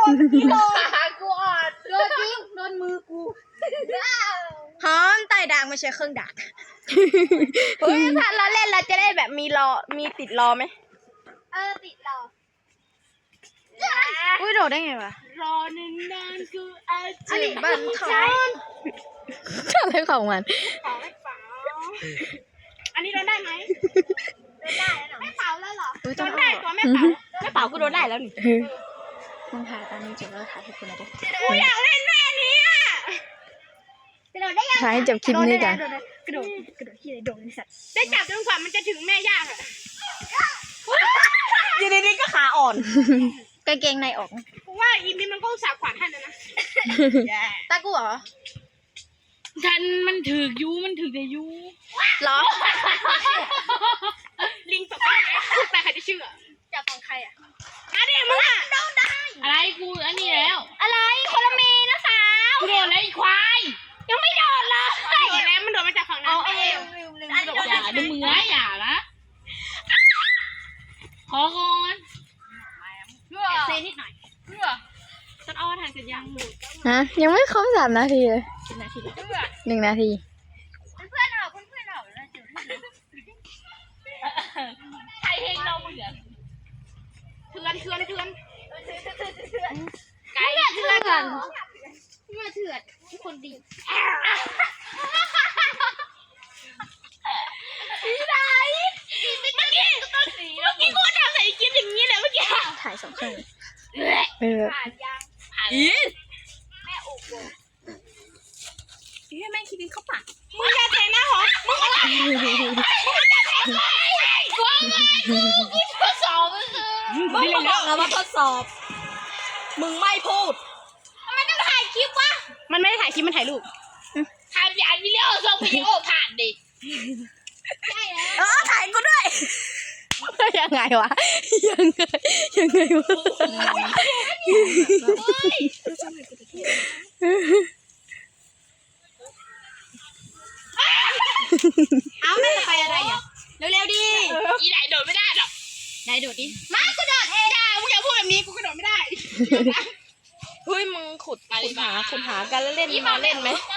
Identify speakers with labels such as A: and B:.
A: กูอ่อนโดนจริงโดนมือกู
B: หอมไต่ด่างไม่ใช่เครื่องดักเฮ้ยถ้าเราเล่นเราจะได้แบบมีติดรอไหม
A: ติดรอ
B: อุ้ยโดดได้ไงวะ
A: รอนึงกูอาจจะ
B: อันนี้บันทอนอะไรของมัน
A: อันนี้โดนได้ไหมโดนได้แล้วไม่เป่าแล้วเหรอโดนได้ตัวไม่เป่ากูโดนได้แล้วนี่
B: มึงถ่ายตอนนี้จบแล้วถ่ายให้คุณนะดิ
A: กูอยากเล่นแม่นี้อ่ะกระโดดได้ยัง
B: ถ่ายให้จบคลิปนี้กัน
A: กระโดดที่ไหนโดดสัตว์ได้จับจนกว่ามันจะถึงแม่ย่างอ่ะ
B: อยู่ดีๆก็ขาอ่อนกางเกงในออก
A: กูว่าอีมิมันก็อุตส่าห์ขวานให้แล้วนะ
B: ตากูเหรอ
A: กันมันถือยูมันถือแต่ยู
B: เหรอ
A: ลิงตกได้ไหมพูดไปใครจะเชื่อจับของใครอ่ะอะไรมึงอ่ะโดนได้อะไรกูอันนี้แล้วอะไรคนละเมนะสาวกูโดนแล้วไอ้ควายยังไม่โดนเลยโดนแล้วมันโดนมาจากฝั่งนั้นอย่าดูมืออย่าละขอก่อนเซนิดหน่อยต้นอ้อทานกันยัง
B: ฮะยังไม่ครบ3 นาทีเลย
A: 1 นาที
B: 1 นาที
A: เพื่อนออกแล้วใครเพลงเราเหมือนเถื่อนไก่เถื่อนเมื่อเถื่อนคนดีพี่ไหนเมื่อกี้กูทำใส่กิ๊บอย่างนี้เลยเมื่อกี้
B: ถ่าย2 เครื่อง
A: ผ่านยังแม่อุบให้แม่คิดเข้าปากมึงอย่าเทหน้าหอมึงอะไรกูทดสอบ
B: มึงบอกแล้วว่าทดสอบมึงไม่พูด
A: ทำไมต้องถ่ายคลิปวะมันไม่ได้ถ่ายคลิปมันถ่ายรูปถ่ายวิดีโอส่งวิดีโอผ่านดิใช่
B: แล้วถ่ายกูด้วยยังไงวะยังไงวะ
A: เอาแม่จะไปอะไรอ่ะเร็วๆดิอีไหนโดดไม่ได้หรอกไหนโดดดิมากูโดดเองได้มึงอย่าพูดแบบนี้กูกระโดดไม่ได้
B: เฮ้ยมึงขุดหากันแล้วเล่นมาเล่นไหม